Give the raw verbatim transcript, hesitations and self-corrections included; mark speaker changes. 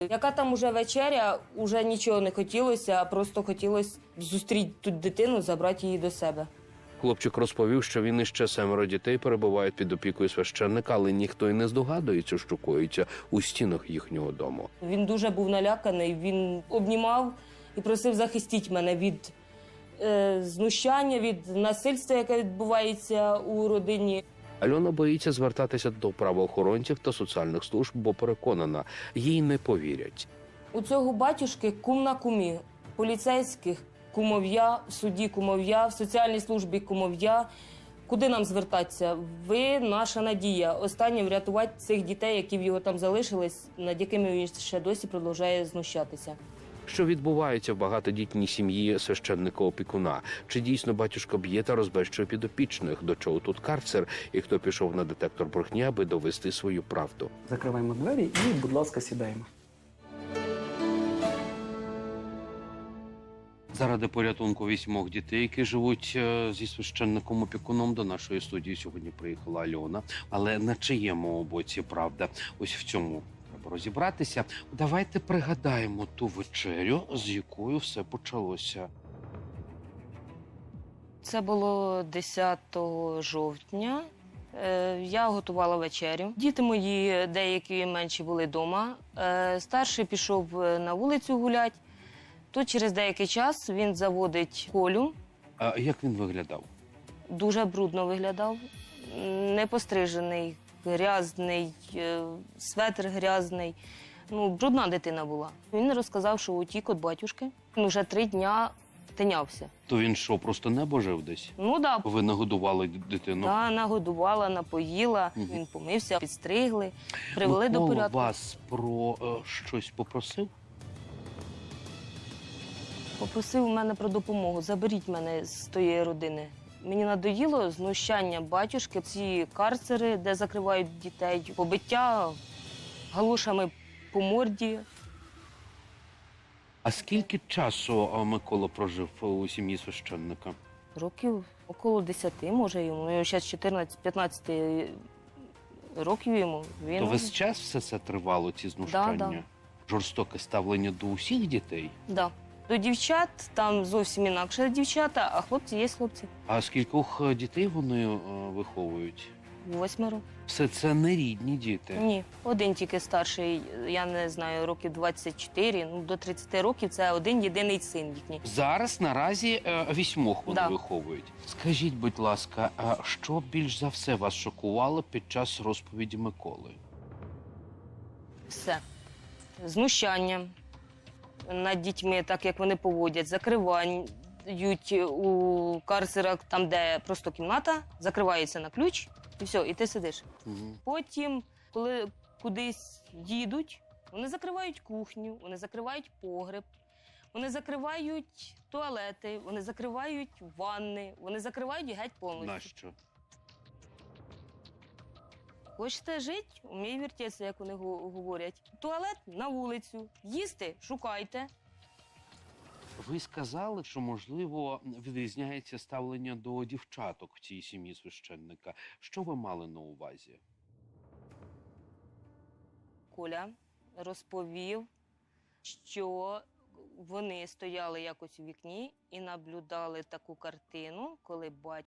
Speaker 1: Яка там уже вечеря, уже нічого не хотілося, а просто хотілося зустріти тут дитину, забрати її до себе.
Speaker 2: Хлопчик розповів, що він іще семеро дітей перебувають під опікою священника, але ніхто й не здогадується, що коїться у стінах їхнього дому.
Speaker 1: Він дуже був наляканий, він обнімав і просив захистити мене від е, знущання, від насильства, яке відбувається у родині.
Speaker 2: Альона боїться звертатися до правоохоронців та соціальних служб, бо переконана, їй не повірять.
Speaker 1: У цього батюшки кум на кумі, поліцейських кумов'я, в суді кумов'я, в соціальній службі кумов'я. Куди нам звертатися? Ви наша надія. Останнє врятувати цих дітей, які в його там залишились, над якими він ще досі продовжує знущатися.
Speaker 2: Що відбувається в багатодітній сім'ї священника-опікуна? Чи дійсно батюшка б'є та розбещує підопічних? До чого тут карцер? І хто пішов на детектор брехні, аби довести свою правду?
Speaker 3: Закриваємо двері і, будь ласка, сідаємо.
Speaker 2: Заради порятунку вісьмох дітей, які живуть е, зі священником-опікуном, до нашої студії сьогодні приїхала Альона. Але на чиєму боці правда? Ось в цьому треба розібратися. Давайте пригадаємо ту вечерю, з якою все почалося.
Speaker 1: Це було десятого жовтня. Е, Я готувала вечерю. Діти мої, деякі менші, були вдома. Е, Старший пішов на вулицю гуляти. Тут через деякий час він заводить Колю.
Speaker 2: А як він виглядав?
Speaker 1: Дуже брудно виглядав, непострижений, грязний, е, светр грязний. Ну, брудна дитина була. Він розказав, що утік від батюшки. Він вже три дня тинявся.
Speaker 2: То він що, просто небо жив десь?
Speaker 1: Ну да,
Speaker 2: Ви нагодували дитину?
Speaker 1: да, нагодувала, напоїла,
Speaker 2: Мгм.
Speaker 1: він помився, підстригли, привели до
Speaker 2: Микола
Speaker 1: порядку.
Speaker 2: вас про е, щось попросив?
Speaker 1: Попросив у мене про допомогу, заберіть мене з тієї родини. Мені надоїло знущання батюшки, ці карцери, де закривають дітей, побиття галушами по морді.
Speaker 2: А скільки часу е, Микола прожив у сім'ї священника?
Speaker 1: Років около десяти, може, йому. Ну, зараз чотирнадцять-п'ятнадцять років йому. Він...
Speaker 2: То весь час все це тривало, ці знущання?
Speaker 1: Да, да.
Speaker 2: Жорстоке ставлення до усіх дітей?
Speaker 1: Да. До дівчат там зовсім інакше дівчата, а хлопці є хлопці.
Speaker 2: А скількох е, дітей вони е, виховують?
Speaker 1: Восьмеро.
Speaker 2: Все це не рідні діти.
Speaker 1: Ні, один тільки старший, я не знаю, років двадцять чотири, ну до тридцяти років це один єдиний син їхній.
Speaker 2: Зараз наразі е, вісьмох вони
Speaker 1: Да.
Speaker 2: виховують. Скажіть, будь ласка, а що більш за все вас шокувало під час розповіді Миколи?
Speaker 1: Все. Знущання над дітьми, так як вони поводять, закривають у карцерах, там, де просто кімната, закривається на ключ, і все, і ти сидиш.
Speaker 2: Угу.
Speaker 1: Потім, коли кудись їдуть, вони закривають кухню, вони закривають погреб, вони закривають туалети, вони закривають ванни, вони закривають геть повністю.
Speaker 2: Нащо?
Speaker 1: Хочете жити, умій вертеться, як вони го- говорять. Туалет на вулицю, їсти шукайте.
Speaker 2: Ви сказали, що, можливо, відрізняється ставлення до дівчаток в цій сім'ї священника. Що ви мали на увазі?
Speaker 1: Коля розповів, що вони стояли якось у вікні і наблюдали таку картину, коли батько